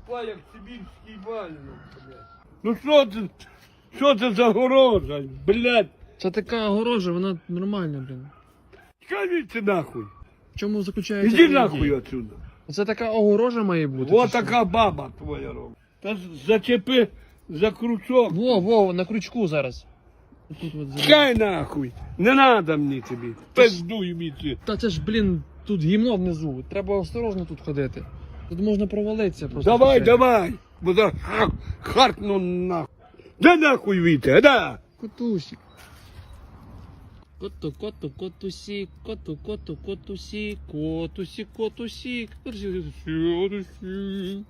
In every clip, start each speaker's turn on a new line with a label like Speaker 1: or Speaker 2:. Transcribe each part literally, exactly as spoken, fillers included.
Speaker 1: тупа, як сибірський вальник, блядь. Ну що це, що це за горожа, блядь?
Speaker 2: Це така огорожа, вона нормальна, блін.
Speaker 1: Скажіть нахуй.
Speaker 2: В чому заключається?
Speaker 1: Іди
Speaker 2: ідея?
Speaker 1: нахуй отсюда.
Speaker 2: Це така огорожа має бути.
Speaker 1: Вот
Speaker 2: чи що?
Speaker 1: така баба твоя робить. Та зачепи за крючок.
Speaker 2: Во, во, на крючку зараз. Тут от зараз.
Speaker 1: Чекай нахуй. Не надо мені тобі. Пиздуй мені.
Speaker 2: Та це ж, блін, тут гімно внизу. Треба осторожно тут ходити. Тут можна провалитися просто.
Speaker 1: Давай,
Speaker 2: случайно.
Speaker 1: давай. Бо за ха- харкну нахуй. Да нахуй віте, да.
Speaker 2: Котусик. Коту, коту, котусик, коту, коту, котусик, котусик, котусик, котусик, котусик.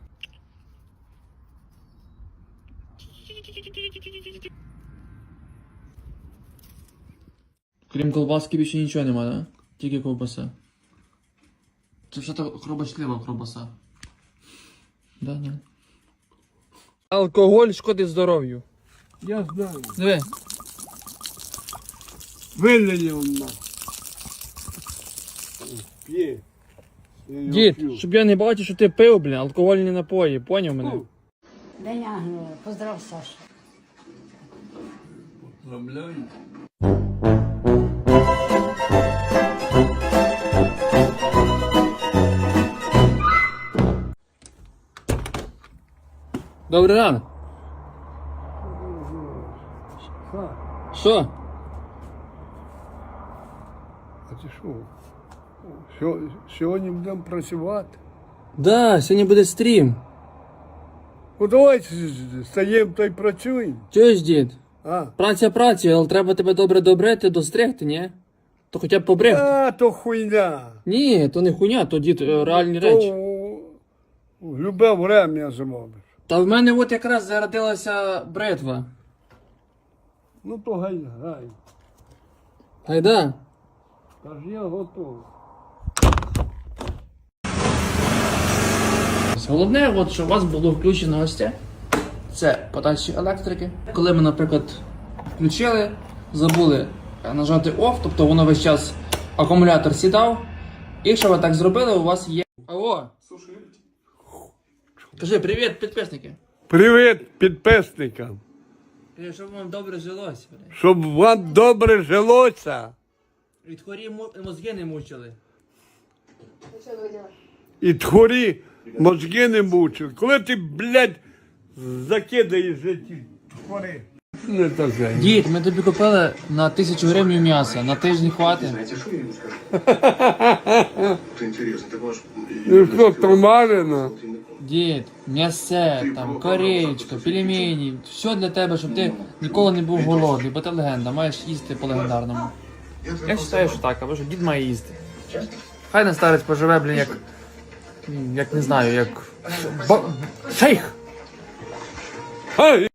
Speaker 2: Крім колбаски більше нічого нема, да? Тільки ковбаса. Це все так хробочлива ковбаса. Да, да. Алкоголь шкодить здоров'ю.
Speaker 1: Я знаю.
Speaker 2: Диви.
Speaker 1: Вилили он нахуй. П'є. Я його
Speaker 2: Дід,
Speaker 1: п'ю.
Speaker 2: щоб я не бачив, що ти пив, блін, алкогольні напої, поняв мене?
Speaker 1: Ну,
Speaker 3: День Ангела. Поздрав, Саша.
Speaker 1: поздравляю.
Speaker 2: Добрий ранок.
Speaker 1: Ха,
Speaker 2: Що?
Speaker 1: а ти що? Сьо- Сьогодні будемо працювати.
Speaker 2: Да, сьогодні буде стрім.
Speaker 1: Ну давай стаємо та й працюємо.
Speaker 2: Чуєш, дід?
Speaker 1: А,
Speaker 2: Праця працею, але треба тебе добре добрити, достригти, ні? То хоча б побрехти.
Speaker 1: а то хуйня.
Speaker 2: Ні, то не хуйня, то дід е, реальні речі.
Speaker 1: То в любе время зробиш.
Speaker 2: Та в мене от якраз зародилася бритва.
Speaker 1: Ну то гай, гай.
Speaker 2: Гайда.
Speaker 1: Та ж я готовий.
Speaker 2: Головне, от, щоб у вас було включено ось це. Це подачі електрики. Коли ми, наприклад, включили, забули нажати off, тобто воно весь час акумулятор сідав. І якщо ви так зробили, у вас є. Алло! Кажи привіт, підписники.
Speaker 1: Привіт підписникам.
Speaker 2: Кажи, щоб вам добре жилося. бля.
Speaker 1: Щоб вам добре жилося
Speaker 2: Від хворі мо- мозги не мучили.
Speaker 1: і тхорі мозги не мучили. Коли ти, блядь, закидаєш ті тхори. Не то же.
Speaker 2: Дід, ми тобі купили на тисячу гривень м'яса, на тиждень хватить.
Speaker 4: Знаете, что я ему скажу? Это интересно, так ваш...
Speaker 1: Ну що, томарено?
Speaker 2: Дід, м'ясе, там, корейчка, пельмені, все для тебе, щоб ти ніколи не був голодний, бо ти легенда, маєш їсти по легендарному. Я вважаю, що так, або що дід має їсти. Хай не старець поживе, блін, як, як не знаю, як ба- шейх.
Speaker 1: Ай!